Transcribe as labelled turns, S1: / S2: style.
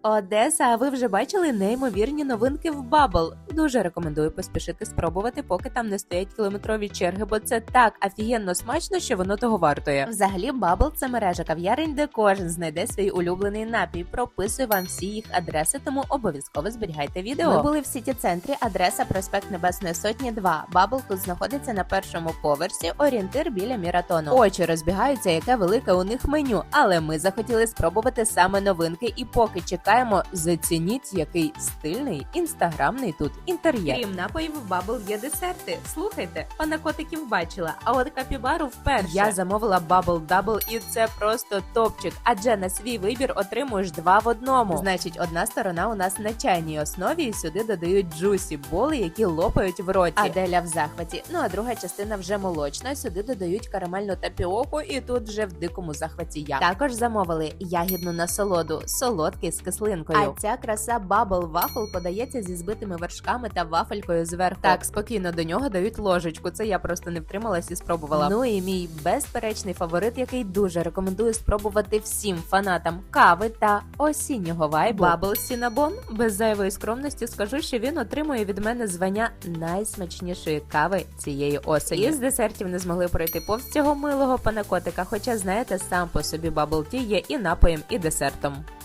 S1: Одеса, а ви вже бачили неймовірні новинки в Bubble? Дуже рекомендую поспішити спробувати, поки там не стоять кілометрові черги, бо це так офігенно смачно, що воно того вартує. Взагалі, Bubble – це мережа кав'ярень, де кожен знайде свій улюблений напій. Прописую вам всі їх адреси, тому обов'язково зберігайте відео. Ми були в сіті-центрі, адреса проспект Небесної Сотні 2. Bubble тут знаходиться на першому поверсі, орієнтир біля Міратону. Очі розбігаються, яке велике у них меню, але ми захотіли спробувати саме новинки, і поки чекаємо, зацініть, який стильний, інстаграмний тут інтер'єр. Крім напоїв, в Bubble є десерти. Слухайте, панакотиків бачила, а от капібару вперше. Я замовила Bubble Double, і це просто топчик, адже на свій вибір отримуєш 2 в одному. Значить, одна сторона у нас на чайній основі, і сюди додають джусі, боли, які лопають в роті. Аделя в захваті. Ну а друга частина вже молочна, сюди додають карамельну тапіоку, і тут вже в дикому захваті я. Також замовили ягідну насолоду, солодкий з кислинкою. А ця краса Bubble Waffle подається зі збитими вершками та вафелькою зверху. Так, спокійно, до нього дають ложечку, це я просто не втрималась і спробувала. Ну і мій безперечний фаворит, який дуже рекомендую спробувати всім фанатам кави та осіннього вайбу. Bubble Cinnabon. Без зайвої скромності скажу, що він отримує від мене звання найсмачнішої кави цієї осені. Із десертів не змогли пройти повз цього милого панакотика, хоча, знаєте, сам по собі Bubble Tea є і напоєм, і десертом.